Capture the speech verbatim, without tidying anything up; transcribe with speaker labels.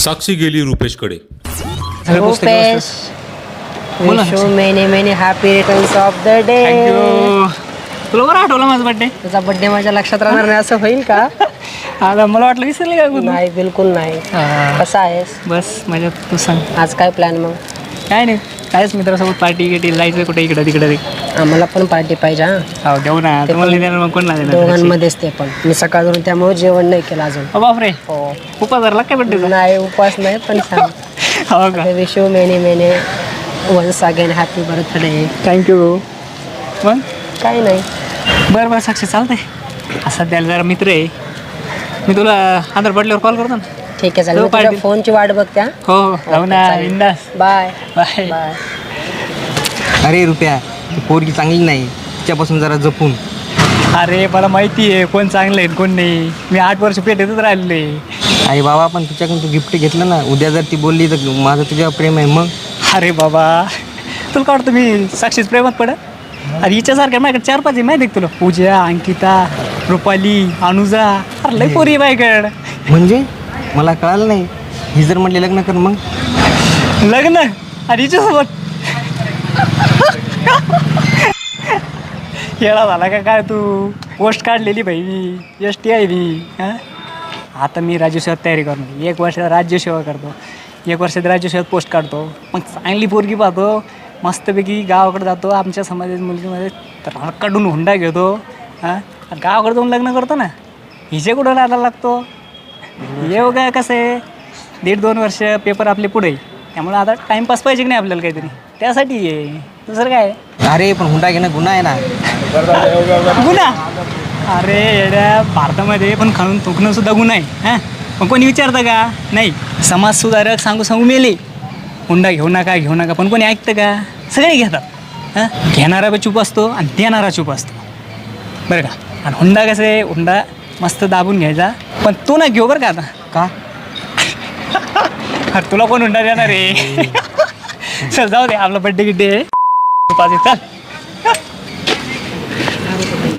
Speaker 1: साक्षी गेली रुपेशकडे.
Speaker 2: Rupesh, wish you many many happy returns of the day.
Speaker 3: Thank you. तुला बरं आठवलं माझा बड्डे?
Speaker 2: तुझा बर्थडे माझ्या लक्षात राहणार नाही असं होईल का?
Speaker 3: आता मला वाटलं विसरले का तू?
Speaker 2: नाही, बिलकुल नाही.
Speaker 3: हा.
Speaker 2: कसा आहेस?
Speaker 3: बस माझ्या तू सांग.
Speaker 2: आज काय प्लॅन मग?
Speaker 3: काय नाही, कायच मित्रासोबत पार्टी गिटी जायचं कुठे इकडं तिकडे.
Speaker 2: आम्हाला पण पार्टी पाहिजे हा.
Speaker 3: हो देऊ ना, तुम्हाला नाही देणार मग कोण नाही देणार?
Speaker 2: दोघांमध्येच ते पण. मी सकाळवरून त्यामुळे जेवण नाही केलं अजून.
Speaker 3: हो बापरे,
Speaker 2: हो.
Speaker 3: उपास धरला काय बड्डे?
Speaker 2: नाही, उपवास नाही, पण सांग.
Speaker 3: हो का?
Speaker 2: Wish you many many once again happy birthday.
Speaker 3: Thank you. मग
Speaker 2: काय नाही.
Speaker 3: बरं बरं साक्षी चालतंय. सध्याला जरा मित्र आहे, मी तुला आधार पडल्यावर कॉल करतो ना.
Speaker 2: ठीक आहे, चालेल.
Speaker 3: जाऊ
Speaker 2: तुझ्या
Speaker 3: party.
Speaker 2: फोनची वाट बघत्या.
Speaker 3: हो हो जाऊ ना, बिंदास.
Speaker 2: Bye
Speaker 3: bye.
Speaker 2: बाय.
Speaker 4: अरे रुपया, ती पोरगी चांगली नाही, तिच्यापासून जरा जपून.
Speaker 3: अरे मला माहिती आहे कोण चांगलं आहे कोण नाही. मी आठ वर्ष पेटेतच राहिलेलो आहे.
Speaker 4: अरे बाबा, पण तुझ्याकडून तू गिफ्ट घेतलं ना, उद्या जर ती बोलली तर माझं तुझ्यावर प्रेम आहे मग.
Speaker 3: अरे बाबा, तुला काय वाटतं मी साक्षीच प्रेमात पडत? अरे हिच्यासारख्या माझ्याकडे चार पाच आहे माहिती आहे तुला. पूजा, अंकिता, रुपाली, अनुजा, अरे लई पोरी आहे माझ्याकडे.
Speaker 4: म्हणजे मला कळालं नाही. ही जर म्हटली लग्न कर मग.
Speaker 3: लग्न आणि हिच्यासोबत येडा झाला का काय तू? पोस्ट काढलेली भाई मी, एस टी आहे मी. हां, आता मी राज्यसेवेत तयारी करतो. एक वर्ष राज्यसेवा करतो, एक वर्षात राज्यसेवेत पोस्ट काढतो. मग चांगली पोरगी पाहतो, मस्तपैकी गावाकडे जातो, आमच्या समाजाच्या मुलगीमध्ये तर काढून हुंडा घेतो. हां, गावाकडे जाऊन लग्न करतो ना. हिचे कुठं राहायला लागतो? येऊ काय कसं आहे, दीड दोन वर्ष पेपर आपले पुढे, त्यामुळे आता टाईमपास पाहिजे की नाही आपल्याला काहीतरी, त्यासाठी आहे. दुसरं काय?
Speaker 4: अरे पण हुंडा घेणं गुन्हा आहे ना.
Speaker 3: गुन्हा? अरे येड्या, भारतामध्ये पण खाऊन थुंकणं सुद्धा गुन्हा आहे. हां, पण कोणी विचारतं का? नाही. समाज सुधारक सांगू सांगू मेले हुंडा घेऊ नका घेऊ नका, पण कोणी ऐकतं का? सगळे घेतात. हां, घेणारा बी चूप असतो आणि देणारा चूप असतो, बरं का. आणि हुंडा कसं आहे, हुंडा मस्त दाबून घ्यायचा, पण तू ना घेऊ बरं का. आता
Speaker 4: का?
Speaker 3: अरे तुला कोण हुंडा देणार आहे? चल जाऊ दे, आपला बड्डे गिड्डे आहे. चल.